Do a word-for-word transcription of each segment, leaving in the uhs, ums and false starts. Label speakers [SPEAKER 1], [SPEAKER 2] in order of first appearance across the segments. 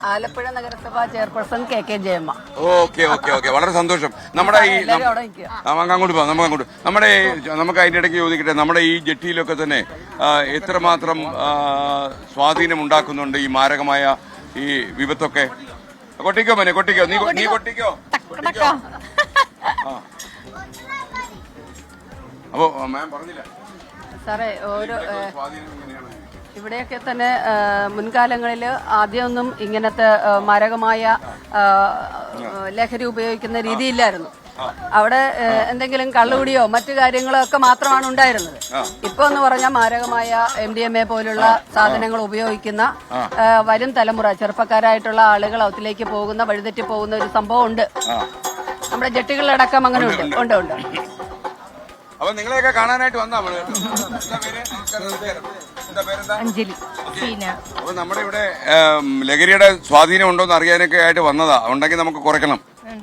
[SPEAKER 1] ആലപ്പുഴ നഗരസഭാ chairperson K K Jayamma.
[SPEAKER 2] Okay okay okay വളരെ സന്തോഷം. നമ്മുടെ ഈ അങ്ങോട്ട് പോകാം, നമുക്ക് അങ്ങോട്ട് നമ്മുടെ നമുക്ക് അതിന്റെ ഇടയ്ക്ക് ചോദിക്കട്ടെ, നമ്മുടെ ഈ ജെട്ടിയിലൊക്കെ തന്നെ എത്രമാത്രം സ്വാധീനം ഉണ്ടാക്കുന്നുണ്ട് ഈ മാരകമായ ഈ വിപത്തൊക്കെ? കൊട്ടിക്കോ മോനെ, കൊട്ടിക്കോ, നീ നീ കൊട്ടിക്കോ. അപ്പോ മാം പറഞ്ഞില്ല
[SPEAKER 1] സാറേ, ഓരോ ഇവിടെയൊക്കെ തന്നെ മുൻകാലങ്ങളിൽ ആദ്യമൊന്നും ഇങ്ങനത്തെ മാരകമായ ലഹരി ഉപയോഗിക്കുന്ന രീതിയില്ലായിരുന്നു. അവിടെ എന്തെങ്കിലും കള്ളുകുടിയോ മറ്റു കാര്യങ്ങളോ ഒക്കെ മാത്രമാണ് ഉണ്ടായിരുന്നത്. ഇപ്പൊ എന്ന് പറഞ്ഞാൽ മാരകമായ എം ഡി എം എ പോലുള്ള സാധനങ്ങൾ ഉപയോഗിക്കുന്ന വരും തലമുറ ചെറുപ്പക്കാരായിട്ടുള്ള ആളുകൾ അതിലേക്ക് പോകുന്ന വഴിതെറ്റി പോകുന്ന ഒരു സംഭവം ഉണ്ട്. നമ്മുടെ ജെട്ടികളിലടക്കം അങ്ങനെ ഉണ്ട് ഉണ്ട് ഉണ്ട്
[SPEAKER 2] അപ്പൊ നിങ്ങളെയൊക്കെ കാണാനായിട്ട് വന്നാ
[SPEAKER 3] അഞ്ജലി.
[SPEAKER 2] അപ്പൊ നമ്മുടെ ഇവിടെ ലഹരിയുടെ സ്വാധീനം ഉണ്ടോന്ന് അറിയാനൊക്കെ ആയിട്ട് വന്നതാ. ഉണ്ടെങ്കിൽ നമുക്ക് കുറയ്ക്കണം.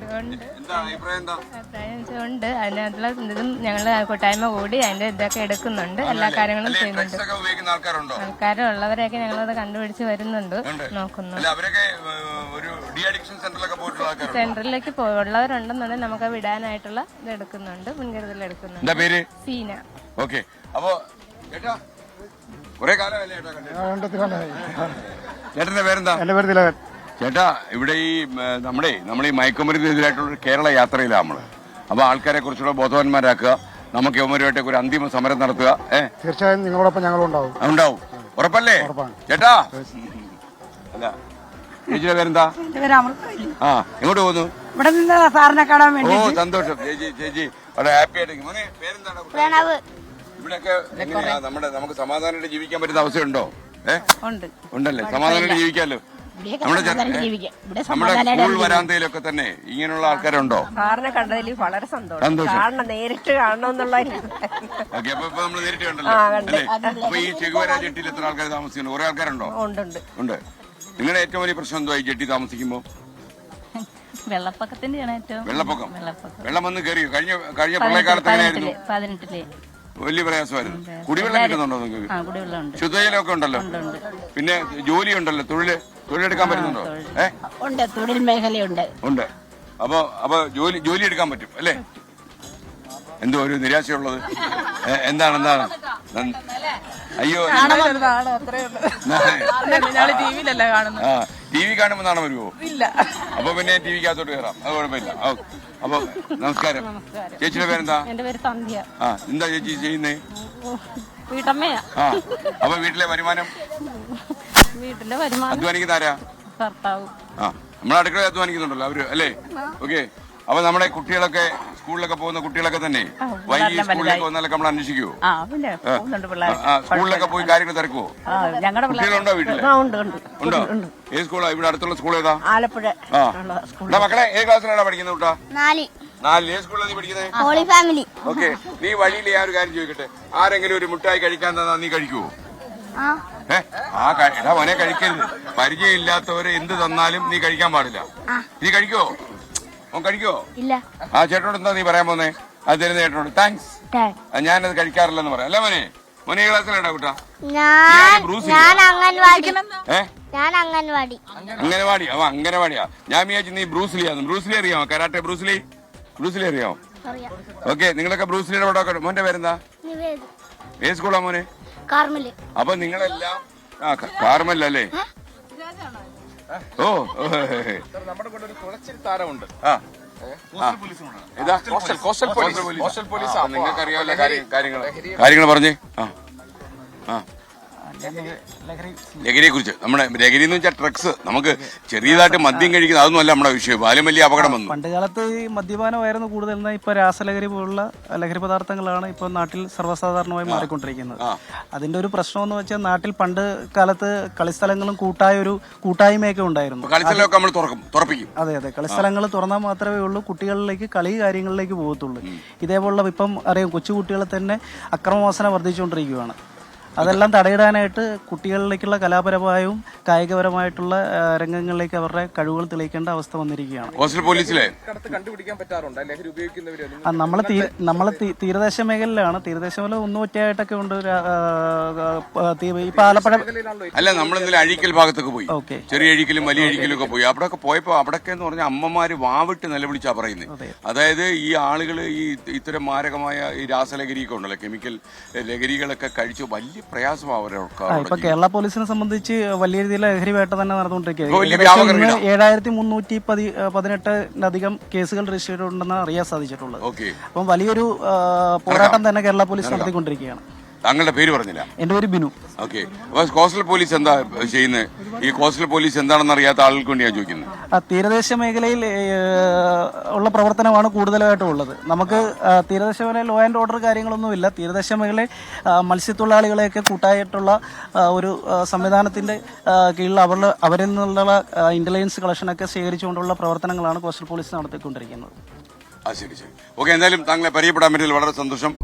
[SPEAKER 3] ഉണ്ട് അതിനകത്തുള്ള ഇതും ഞങ്ങള് കൂട്ടായ്മ കൂടി അതിന്റെ ഇതൊക്കെ എടുക്കുന്നുണ്ട്. എല്ലാ കാര്യങ്ങളും ചെയ്യുന്നുണ്ട്. ആൾക്കാരും ഉള്ളവരെയൊക്കെ ഞങ്ങളത് കണ്ടുപിടിച്ച് വരുന്നുണ്ട്, നോക്കുന്നു. സെന്ററിലേക്ക് ഉള്ളവരുണ്ടെന്നുണ്ടെങ്കിൽ നമുക്ക് വിടാനായിട്ടുള്ള ഇത് എടുക്കുന്നുണ്ട്, മുൻകരുതൽ എടുക്കുന്നുണ്ട്. സീന.
[SPEAKER 2] ഓക്കെ. അപ്പോ ചേട്ടന്റെ പേരെന്താ?
[SPEAKER 4] എന്റെ പേര് തിലകൻ.
[SPEAKER 2] ചേട്ടാ, ഇവിടെ ഈ നമ്മുടെ നമ്മൾ ഈ മയക്കുമരുന്നിനെതിരായിട്ടുള്ള കേരള യാത്രയിലാണ് നമ്മള്. അപ്പൊ ആൾക്കാരെ കുറിച്ചുള്ള ബോധവാന്മാരാക്കുക, നമുക്ക് യവന്മാരുമായിട്ട് ഒരു അന്തിമ സമരം നടത്തുക. ഏഹ്
[SPEAKER 4] തീർച്ചയായും നിങ്ങളോടൊപ്പം ഞങ്ങളും ഉണ്ടാവും.
[SPEAKER 2] ഉണ്ടാവും, ഉറപ്പല്ലേ ചേട്ടാ? അല്ല, ചേച്ചിയുടെ പേരെന്താ? ആ, എങ്ങോട്ട് പോകുന്നു?
[SPEAKER 5] ഇവിടെ നിന്ന് സാറിനെ കാണാൻ വേണ്ടി.
[SPEAKER 2] ഓ, സന്തോഷം ചേച്ചി. ചേച്ചി വളരെ ഹാപ്പി ആയിട്ട്. മോനെ പേരെന്താണ്? ഇവിടെയൊക്കെ എങ്ങനെയാ നമ്മുടെ നമുക്ക് സമാധാനമായിട്ട് ജീവിക്കാൻ പറ്റുന്ന അവസ്ഥയുണ്ടോ? ഏഹ് ഉണ്ടല്ലേ? സമാധാനമായിട്ട് ജീവിക്കാമല്ലോ. നമ്മുടെ നമ്മുടെ സ്കൂൾ വരാന്തയിലൊക്കെ തന്നെ ഇങ്ങനെയുള്ള ആൾക്കാരുണ്ടോ?
[SPEAKER 5] സാറിനെ കണ്ടതിൽ വളരെ സന്തോഷം. നേരിട്ട് കാണണമെന്നുള്ള
[SPEAKER 2] ഓക്കെ. അപ്പൊ ഇപ്പൊ നമ്മള് നേരിട്ട് കണ്ടല്ലോ അല്ലേ? അപ്പൊ ഈ ചെകുവര ജെട്ടിയിൽ എത്ര ആൾക്കാർ താമസിക്കുന്നു? കുറെ ആൾക്കാരുണ്ടോ? ഉണ്ട്. നിങ്ങളുടെ ഏറ്റവും വലിയ പ്രശ്നം എന്തോ ഈ ജെട്ടി താമസിക്കുമ്പോ?
[SPEAKER 3] വെള്ളപ്പൊക്കത്തിന്റെ
[SPEAKER 2] വെള്ളപ്പൊക്കം. വെള്ളം വന്ന് കയറിയോ? കഴിഞ്ഞ കഴിഞ്ഞ പ്രളയകാലത്ത് എങ്ങനെയായിരുന്നു?
[SPEAKER 3] പതിനെട്ടിലെ
[SPEAKER 2] വലിയ പ്രയാസമായിരുന്നു. കുടിവെള്ളം കിട്ടുന്നുണ്ടോ നിങ്ങൾക്ക്? ശുദ്ധജലമൊക്കെ ഉണ്ടല്ലോ. പിന്നെ ജോലി ഉണ്ടല്ലോ, തൊഴില് തൊഴിലെടുക്കാൻ പറ്റുന്നുണ്ടോ?
[SPEAKER 5] ഏഹ് തൊഴിൽ മേഖലയുണ്ട്.
[SPEAKER 2] ഉണ്ട്. അപ്പൊ അപ്പൊ ജോലി ജോലി എടുക്കാൻ പറ്റും അല്ലേ? എന്തോ ഒരു നിരാശയുള്ളത് എന്താണ്? എന്താണ്? അയ്യോ, ആ ടി വി കാണുമ്പോ നാണം വരുമോ? ഇല്ല. അപ്പൊ പിന്നെ ടി വിക്കകത്തോട്ട് കയറാം, അത് കുഴപ്പമില്ല. അപ്പൊ നമസ്കാരം. ചേച്ചിയുടെ പേരെന്താ?
[SPEAKER 3] എന്റെ പേര് സന്ധ്യ.
[SPEAKER 2] ആ, എന്താ ചേച്ചി ചെയ്യുന്നേ?
[SPEAKER 3] വീട്ടമ്മയാ.
[SPEAKER 2] ആ, അപ്പൊ വീട്ടിലെ വരുമാനം?
[SPEAKER 3] വീട്ടിലെ വരുമാനം
[SPEAKER 2] അധ്വാനിക്കുന്ന ആരാ?
[SPEAKER 3] ഭർത്താവ്.
[SPEAKER 2] ആ, നമ്മളെ അടുക്കള അധ്വാനിക്കുന്നുണ്ടല്ലോ അവര് അല്ലേ? ഓക്കെ. അപ്പൊ നമ്മുടെ കുട്ടികളൊക്കെ സ്കൂളിലൊക്കെ പോകുന്ന കുട്ടികളൊക്കെ തന്നെ വൈകി സ്കൂളിലേക്ക് വന്നാലൊക്കെ നമ്മൾ അന്വേഷിക്കുവോ? സ്കൂളിലൊക്കെ പോയി കാര്യങ്ങൾ തിരക്കുവോ? കുട്ടികളുണ്ടോ വീട്ടില്? ഉണ്ടോ? ഏത് സ്കൂളാ? ഇവിടെ അടുത്തുള്ള സ്കൂൾ ഏതാ?
[SPEAKER 5] ആലപ്പുഴ.
[SPEAKER 2] ആ, മക്കളെ ഏത് ക്ലാസ്സിലാണ് പഠിക്കുന്നത് കൂട്ടാ? നാല്. ഏത് സ്കൂളിലാണ് നീ പഠിക്കുന്നത്? ഓക്കെ. നീ വഴിയിൽ ഞാൻ ഒരു കാര്യം ചോദിക്കട്ടെ, ആരെങ്കിലും ഒരു മുട്ടായി കഴിക്കാൻ തന്നാ നീ കഴിക്കുവോ? ഏ ആ എടാ മോനെ, കഴിക്കരുത്. പരിചയമില്ലാത്തവര് എന്ത് തന്നാലും നീ കഴിക്കാൻ പാടില്ല. നീ കഴിക്കോ? ഓൻ കഴിക്കോ? ഇല്ല. ആ ചേട്ടനോട് എന്താ നീ പറയാൻ പോന്നേ? അത് തരുന്ന ചേട്ടനോട് താങ്ക്സ്. ഞാനത് കഴിക്കാറില്ലെന്ന് പറയാം അല്ലേ മോനെ? മോനെ ഈ ക്ലാസ്സിലാണ്ടാ കൂട്ടാ? അംഗനവാടി. അവ അംഗനവാടിയാ. ഞാൻ വിചാരിച്ചു നീ ബ്രൂസ്ലിയാന്ന്. ബ്രൂസ്ലി അറിയാമോ? Karate Bruce Lee? ബ്രൂസ്ലി അറിയാമോ? ഓക്കെ. നിങ്ങളൊക്കെ ബ്രൂസ്ലിയുടെ പടമൊക്കെ. മോന്റെ പേരെന്താ? ഏത് സ്കൂളാ മോനെ? അപ്പൊ നിങ്ങളെല്ലാം ആ കാർമലല്ലേ? ഓ,
[SPEAKER 6] നമ്മുടെ കൂടെ ഒരു തുളച്ചിരി താരമുണ്ട്.
[SPEAKER 2] നിങ്ങൾക്ക് അറിയാമല്ലോ കാര്യങ്ങൾ കാര്യങ്ങൾ പറഞ്ഞേ. ആ ആ ലഹരിയെ കുറിച്ച് നമ്മുടെ ലഹരി എന്ന് വെച്ചാൽ ഡ്രഗ്സ്. നമുക്ക് ചെറിയതായിട്ട് മദ്യം കഴിക്കുന്നത് അതൊന്നും അല്ല നമ്മുടെ വിഷയം. ബാല്യം വലിയ അപകടം വന്നു.
[SPEAKER 7] പണ്ട് കാലത്ത് ഈ മദ്യപാനമായിരുന്നു കൂടുതൽ. എന്നാൽ ഇപ്പൊ രാസലഹരി പോലുള്ള ലഹരി പദാർത്ഥങ്ങളാണ് ഇപ്പൊ നാട്ടിൽ സർവ്വസാധാരണമായി മാറിക്കൊണ്ടിരിക്കുന്നത്. അതിന്റെ ഒരു പ്രശ്നം എന്ന് വെച്ചാൽ നാട്ടിൽ പണ്ട് കാലത്ത് കളിസ്ഥലങ്ങളും കൂട്ടായ ഒരു കൂട്ടായ്മയൊക്കെ ഉണ്ടായിരുന്നു.
[SPEAKER 2] കളിസ്ഥലമൊക്കെ നമ്മൾ തുറക്കും, തുറപ്പിക്കും.
[SPEAKER 7] അതെ അതെ, കളിസ്ഥലങ്ങൾ തുറന്നാൽ മാത്രമേ ഉള്ളൂ കുട്ടികളിലേക്ക് കളി കാര്യങ്ങളിലേക്ക് പോകത്തുള്ളൂ. ഇതേപോലുള്ള ഇപ്പം അറിയാം, കൊച്ചുകുട്ടികളെ തന്നെ അക്രമവാസന വർദ്ധിച്ചുകൊണ്ടിരിക്കുകയാണ്. അതെല്ലാം തടയിടാനായിട്ട് കുട്ടികളിലേക്കുള്ള കലാപരമായും കായികപരമായിട്ടുള്ള ആ, രംഗങ്ങളിലേക്ക് അവരുടെ കഴിവുകൾ തെളിയിക്കേണ്ട അവസ്ഥ വന്നിരിക്കുകയാണ്.
[SPEAKER 2] കോസ്റ്റൽ പോലീസിലെ
[SPEAKER 6] കടത്ത് കണ്ടുപിടിക്കാൻ പറ്റാറുണ്ട് ലഹരി ഉപയോഗിക്കുന്നവര്
[SPEAKER 7] ആ, നമ്മള് തീ- നമ്മള് തീ- തീരദേശ മേഖലയിലാണ്. തീരദേശ മേഖല ഒന്നുമൊറ്റയായിട്ടൊക്കെ ഉണ്ട്. രാ- ആ, ആ, തീ- ഇപ്പൊ ആലപ്പുഴ
[SPEAKER 2] അല്ല നമ്മൾ ഇന്നലെ അഴീക്കൽ ഭാഗത്തൊക്കെ പോയി,
[SPEAKER 7] ഓക്കെ.
[SPEAKER 2] ചെറിയ അഴീക്കലും വലിയ അഴീക്കലും ഒക്കെ പോയി. അവിടെ ഒക്കെ പോയപ്പോ അവിടെയൊക്കെ എന്ന് പറഞ്ഞാൽ അമ്മമാര് വാവിട്ട് നിലവിളിച്ചാ പറയുന്നത്. അതായത് ഈ ആളുകൾ ഈ ഇത്തരം മാരകമായ ഈ രാസലഹരിയൊക്കെ ഉണ്ടല്ലോ, കെമിക്കൽ ലഹരികളൊക്കെ കഴിച്ച് വലിയ പ്രയാസമാണ് അവരൊക്കെ.
[SPEAKER 7] ഇപ്പൊ കേരള പോലീസിനെ സംബന്ധിച്ച് വലിയ രീതിയിൽ ലഹരി വേട്ട തന്നെ നടന്നുകൊണ്ടിരിക്കുകയാണ്.
[SPEAKER 2] വലിയ
[SPEAKER 7] ഏകദേശം
[SPEAKER 2] വ്യാപക
[SPEAKER 7] ഇന്ന്
[SPEAKER 2] ഇടാം.
[SPEAKER 7] ഏഴായിരത്തി മുന്നൂറ്റി പതി പതിനെട്ടിലധികം കേസുകൾ രജിസ്റ്റർ ചെയ്തിട്ടുണ്ടെന്ന് അറിയാൻ സാധിച്ചിട്ടുള്ളത്.
[SPEAKER 2] ഓക്കെ.
[SPEAKER 7] അപ്പം വലിയൊരു ആ, പോരാട്ടം തന്നെ കേരള പോലീസ് നടത്തിക്കൊണ്ടിരിക്കുകയാണ്.
[SPEAKER 2] താങ്കളുടെ പേര് പറഞ്ഞില്ല.
[SPEAKER 7] എന്റെ പേര് ബിനു.
[SPEAKER 2] ഓക്കെ. അപ്പൊ കോസ്റ്റൽ പോലീസ് എന്താ ചെയ്യുന്നത്? ഈ കോസ്റ്റൽ പോലീസ് എന്താണെന്ന് അറിയാത്ത ആളുകൾക്ക് വേണ്ടി ഞാൻ ചോദിക്കുന്നത്.
[SPEAKER 7] ആ, തീരദേശ മേഖലയിൽ ഏ, ഉള്ള പ്രവർത്തനമാണ് കൂടുതലായിട്ടും ഉള്ളത്. നമുക്ക് ആ, തീരദേശ മേഖലയിൽ ലോ ആൻഡ് ഓർഡർ കാര്യങ്ങളൊന്നുമില്ല. തീരദേശ മേഖലയിൽ ആ, മത്സ്യത്തൊഴിലാളികളെയൊക്കെ കൂട്ടായിട്ടുള്ള ആ, ഒരു ആ, സംവിധാനത്തിന്റെ ആ, കീഴിൽ അവരുടെ അവരിൽ നിന്നുള്ള ഇന്റലിജൻസ് കളക്ഷനൊക്കെ ശേഖരിച്ചുകൊണ്ടുള്ള പ്രവർത്തനങ്ങളാണ് കോസ്റ്റൽ പോലീസ് നടത്തിക്കൊണ്ടിരിക്കുന്നത്.
[SPEAKER 2] ആ ശരി ശരി. ഓക്കെ, എന്തായാലും താങ്കളെ പരിചയപ്പെടാൻ പറ്റിയതിൽ വളരെ സന്തോഷം.